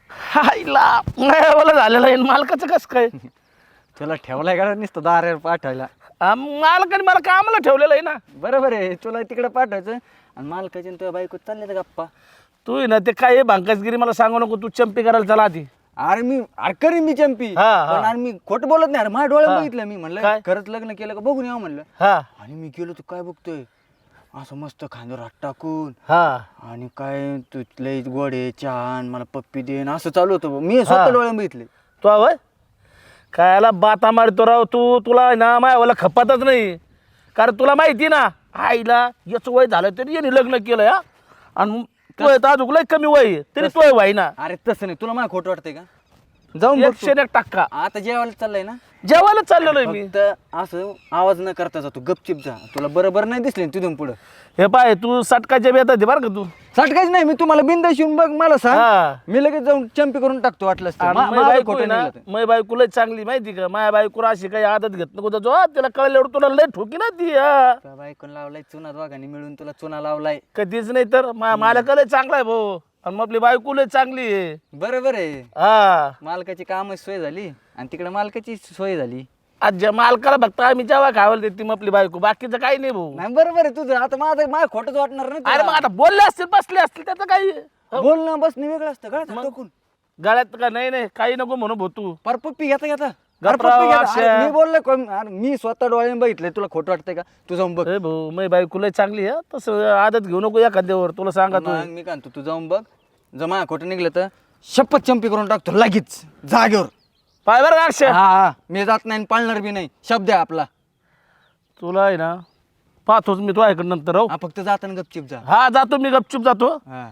[SPEAKER 1] हायला मला झालेलं आहे, मालकाचं कसं काय?
[SPEAKER 3] तुला ठेवलाय का नुसतं दारावर पाठवायला?
[SPEAKER 1] मालकाने मला कामाला ठेवलेलं आहे ना.
[SPEAKER 3] बरोबर आहे, तुला तिकडे पाठवायचं आणि मालकाची तुझ्या बायको चालले तर गप्पा.
[SPEAKER 1] तू आहे ना ते काय भांकसगिरी मला सांगू नको. तू चंपी करायला चला आधी.
[SPEAKER 3] अरे करीन मी चंपी.
[SPEAKER 1] हा, हा.
[SPEAKER 3] पण अरे मी खोटं बोलत नाही. अरे माझ्या डोळ्यात
[SPEAKER 1] हा.
[SPEAKER 3] बघितलं मी, म्हणलं
[SPEAKER 1] काय?
[SPEAKER 3] खरंच लग्न केलं का बघून यावं म्हणलं.
[SPEAKER 1] हा
[SPEAKER 3] आणि मी गेलो तू काय बघतोय, असं मस्त खांद्यावर हात टाकून
[SPEAKER 1] हा
[SPEAKER 3] आणि काय तू लई गोडे चहा आण, मला पप्पी देन, असं चालू होतं. मी स्वतः डोळ्यात बघितले.
[SPEAKER 1] तू आवय कायला बाता मारतो राव तू. तुला आहे ना मायावाला खपातच नाही. कारण तुला माहिती ना आईला याचं वय झालं तरी याने लग्न केलं. हा आणि तू आहे अजून लय कमी वय आहे, तरी तू वय ना.
[SPEAKER 3] अरे तसं नाही, तुला मला खोटं वाटतंय का? जाऊन बघ तू.
[SPEAKER 1] 101%.
[SPEAKER 3] आता जेवायला चाललंय ना,
[SPEAKER 1] जेवायला चाललेलो आहे मी.
[SPEAKER 3] फक्त असं आवाज न करता जातो, गपचिप जा. तुला बरोबर नाही दिसले तिथून पुढं.
[SPEAKER 1] हे पाय तू सटकाच्या बेतात बरं का तू.
[SPEAKER 3] सटकायच नाही, मी तुम्हाला बिंदास येऊन बघ, मला
[SPEAKER 1] हा.
[SPEAKER 3] सांग, मी लगेच जाऊन चंपी करून टाकतो वाटलंच तर.
[SPEAKER 1] आणि
[SPEAKER 3] माझं खोटं नाही
[SPEAKER 1] ना
[SPEAKER 3] लागत.
[SPEAKER 1] मै बायको लय चांगली माहिती का. माया बायको अशी काही आदत घेत नको जो. तिला कळल्यावर तुला लय ठोकी ना ती. हा.
[SPEAKER 3] तुझ्या बायकोन लावलाय चुना, दोघांनी मिळून तुला चुना लावलाय.
[SPEAKER 1] कधीच नाही तर मालक लय चांगला आहे भाऊ. आणि मग आपली बायको लय चांगली आहे.
[SPEAKER 3] बरोबर आहे,
[SPEAKER 1] हा
[SPEAKER 3] मालकाची कामच सोय झाली आणि तिकडे मालकाची सोय झाली.
[SPEAKER 1] आज मालकाला बघता आम्ही जेव्हा खावायला देते मग आपली बायको, बाकीचं काही नाही भाऊ.
[SPEAKER 3] नाही बरोबर आहे तुझं. आता माझं खोटंच वाटणार
[SPEAKER 1] अरे
[SPEAKER 3] नाही.
[SPEAKER 1] मग आता बोलले असतील बसले असतील त्याचं काही
[SPEAKER 3] बोलणं बसणं वेगळं असतं. गळ्यात हात टाकून
[SPEAKER 1] गळ्यात का नाही काही नको म्हणू भाऊ तू.
[SPEAKER 3] पर पप्पी घेता घेता.
[SPEAKER 1] गप्पा
[SPEAKER 3] अरे पप्पी घेता.
[SPEAKER 1] वाशा.
[SPEAKER 3] अरे मी बोललोय अरे मी स्वतः डोळ्याने बघितलंय. तुला खोटं वाटतंय का? तू जाऊन बघ.
[SPEAKER 1] ए भाऊ मै बायको लय चांगली आहे. तसं आदत घेऊ नको एखाद्यावर. तुला सांगा तू.
[SPEAKER 3] मग मी काय म्हणतो, तू जाऊन बघ. जर माझ्या खोटं निघलं तर शपथ चंपी करून टाकतो लगेच जागेवर.
[SPEAKER 1] पाय बरं का अक्षय.
[SPEAKER 3] हा मी जात नाही आणि पाळणार बी नाही. शब्द आहे आपला.
[SPEAKER 1] तुला आहे ना पाहतोच मी तो ऐकड नंतर हो.
[SPEAKER 3] हा फक्त जाताना गपचिप जा.
[SPEAKER 1] हा जातो मी गपचूप जातो.
[SPEAKER 3] हा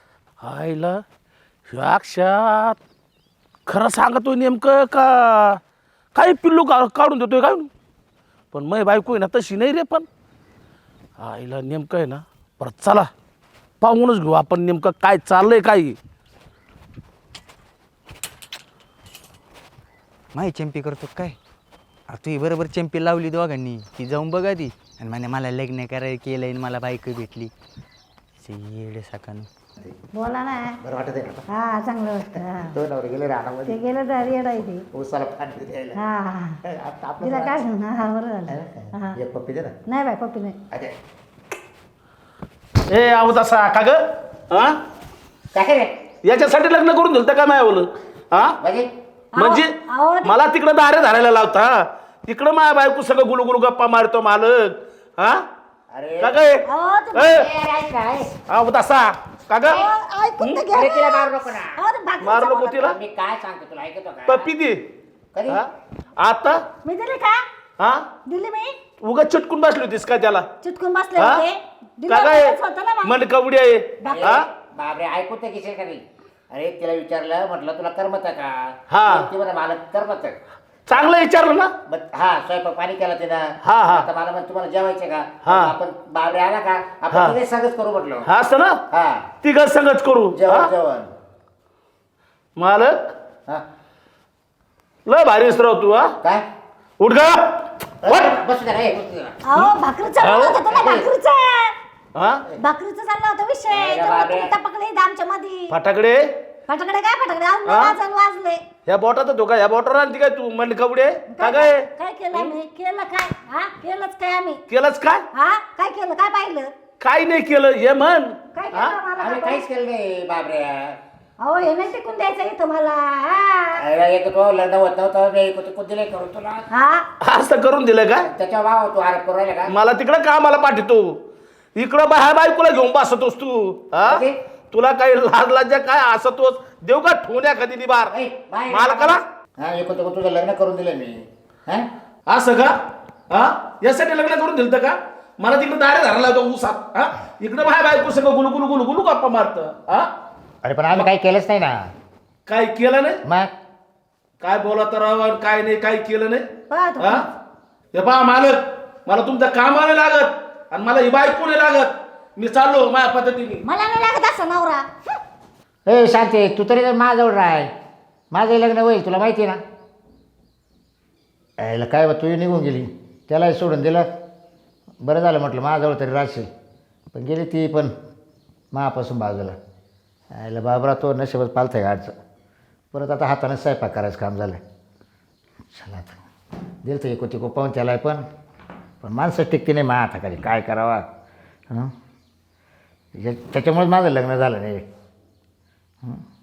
[SPEAKER 1] आईला अक्षात खरं सांगतोय नेमकं का काही पिल्लू काढून देतोय काय. पण मै बायको आहे ना तशी नाही रे. पण आईला नेमकं आहे ना परत चला पाहूनच घेऊ आपण नेमकं काय चाललंय काय.
[SPEAKER 3] माही चंपी करतो काय. तू बरोबर चंपी लावली दोघांनी ती जाऊन बघा ती आणि म्हणे मला लग्न करायला केलंय आणि मला बायको भेटली. येडे साकानं.
[SPEAKER 2] शांती
[SPEAKER 4] बोला ना.
[SPEAKER 2] बरं वाटत आहे ना
[SPEAKER 4] हा चांगलं वाटतं. हा.
[SPEAKER 2] दोन नवरे गेले
[SPEAKER 4] ते
[SPEAKER 2] रानामध्ये
[SPEAKER 4] गेलं तर येडा आहे ते.
[SPEAKER 2] उसाला पाणी द्यायला
[SPEAKER 4] हा हा.
[SPEAKER 2] आता आपलं
[SPEAKER 4] तिला काय
[SPEAKER 2] रान.
[SPEAKER 4] हा बरं झालं. हा.
[SPEAKER 2] एक पप्पी दे ना
[SPEAKER 4] नाही बाय पप्पी नाही.
[SPEAKER 2] अरे
[SPEAKER 1] ए आहो तसा का ग हा
[SPEAKER 2] काय रे
[SPEAKER 1] याच्यासाठी लग्न करून दिलं तर काय माय बोल हा म्हणजे
[SPEAKER 4] अहो, ते-
[SPEAKER 1] मला तिकडं दारे धरायला लावता तिकडं माया बायको सगळं गुलू गप्पा मारतो मालक हा
[SPEAKER 2] अरे
[SPEAKER 1] का काय
[SPEAKER 4] अहो, ते-
[SPEAKER 1] आहो तसा का ग
[SPEAKER 4] अहो, ऐकून तर घ्या
[SPEAKER 2] अरे
[SPEAKER 4] ना.
[SPEAKER 2] तिला मारू नको ना
[SPEAKER 4] अहो, ते भाकरीचं
[SPEAKER 1] मारू नको
[SPEAKER 4] बोला.
[SPEAKER 1] तिला
[SPEAKER 2] मी काय सांगतो तुला ऐकतो का
[SPEAKER 1] पप्पी दे
[SPEAKER 2] कधी
[SPEAKER 1] हा? आता
[SPEAKER 4] मी दिली का
[SPEAKER 1] हा
[SPEAKER 4] दिली मी
[SPEAKER 1] उगाच चिटकून बसली होतीस का त्याला
[SPEAKER 4] चिटकून बसले
[SPEAKER 1] हा?
[SPEAKER 4] होते. दिलं
[SPEAKER 1] का काय
[SPEAKER 4] होतं ना मग.
[SPEAKER 1] मन कवडी आहे
[SPEAKER 2] अरे,
[SPEAKER 1] हा
[SPEAKER 2] बापरे ऐकू तर घेशील का नाही अरे तिला विचारलं म्हटलं तुला करमत आहे
[SPEAKER 1] हा.
[SPEAKER 2] का ती म्हणा मला करमत आहे
[SPEAKER 1] चांगलं विचारलं ना
[SPEAKER 2] हा स्वयंपाक पाणी केला तिनं
[SPEAKER 1] हा, हा.
[SPEAKER 2] आता मला म्हणत तुम्हाला जेवायचे का
[SPEAKER 1] हा.
[SPEAKER 2] आपण बाबरे आला का
[SPEAKER 1] हा.
[SPEAKER 2] आपण तिथे सगळंच करू म्हटलं
[SPEAKER 1] हा असं ना
[SPEAKER 2] हा
[SPEAKER 1] तिघ संगच करू
[SPEAKER 2] जेवण
[SPEAKER 1] हा?
[SPEAKER 2] जेवण
[SPEAKER 1] मालक
[SPEAKER 2] हा
[SPEAKER 1] लय भारी राव तू हा
[SPEAKER 2] काय
[SPEAKER 1] उठ गा
[SPEAKER 2] बसू दे रे बसू दे ना.
[SPEAKER 4] अहो भाकरी चाललं होतं ना भाकरीचा
[SPEAKER 1] हा
[SPEAKER 4] भाकरीचा चालला होता विषय
[SPEAKER 2] अरे
[SPEAKER 4] तेव्हा
[SPEAKER 2] बापरे.
[SPEAKER 4] तुम्ही टपकले इथं आमच्या मध्ये
[SPEAKER 1] फटाकडे
[SPEAKER 4] फटाकडे काय फटाकडे आज
[SPEAKER 1] हा?
[SPEAKER 4] वाजले
[SPEAKER 1] ह्या बोटात तो का ह्या बोटावर आणती काय तू म्हणली कवडे का काय
[SPEAKER 4] काय केलं आम्ही केलं काय हा केलंच काय आम्ही
[SPEAKER 1] केलंच काय
[SPEAKER 4] हा काय केलं काय पाहिलं
[SPEAKER 1] काय नाही केलं हे म्हण
[SPEAKER 4] काय
[SPEAKER 1] हा?
[SPEAKER 4] केलं मला
[SPEAKER 2] आम्ही
[SPEAKER 4] दाखवा.
[SPEAKER 2] काहीच केलं नाही बाबरे
[SPEAKER 4] अहो हे नाही टिकून द्यायचं इथं मला हा
[SPEAKER 2] अरे एक तो लग्न होत नव्हतं मी एक दिले करून तुला
[SPEAKER 4] हा
[SPEAKER 1] असं करून दिलं का
[SPEAKER 2] त्याच्या भाव तू आरोप करू राहिला का
[SPEAKER 1] मला तिकडं कामाला पाठवतो इकडं बाहेर बायकोला घेऊन बसतोस तू हा
[SPEAKER 2] म्हणजे?
[SPEAKER 1] तुला काही लाज लाजा काय असतोस देऊ का ठोण्या कधी निबार
[SPEAKER 2] ऐ, बाहेर
[SPEAKER 1] मालकाला
[SPEAKER 2] हा एक तुझं लग्न करून दिलं मी हा
[SPEAKER 1] असं का हा यासाठी लग्न करून दिलं का मला तिकडे दारे धरायला होता ऊसात हा इकडे बाहेर बायको सगळं गुलू गुलू गुलू गुलू गप्पा मारत हा
[SPEAKER 2] अरे पण आम्ही काही केलंच नाही ना
[SPEAKER 1] काय केलं नाही
[SPEAKER 2] मग
[SPEAKER 1] काय बोला तर राव, काय नाही काय केलं नाही
[SPEAKER 4] पहा तुम्ही.
[SPEAKER 1] हा हे पहा मालक मला तुमच्या कामाला लागत आणि मला ही बायको नाही लागत मी चाललो माझ्या पद्धतीने
[SPEAKER 4] मला नाही लागत असं नवरा
[SPEAKER 2] ए शांती तू तरी माझ्याजवळ राह माझं लग्न होईल तुला माहिती आहे ना यायला काय बा तू निघून गेली त्यालाही सोडून दिलं बरं झालं म्हटलं माझ्याजवळ तरी राहशील पण गेली ती पण मापासून बाजूला यायला बाबरा तो नशिबच पालथं गाडचं परत आता हाताने स्वयंपाक करायचं काम झालं चला आता दिलं तर एकोती पाहून त्याला पण माणसं टिकते नाही मा हाताखाली काय करावा हं त्याच्यामुळेच माझं लग्न झालं नाही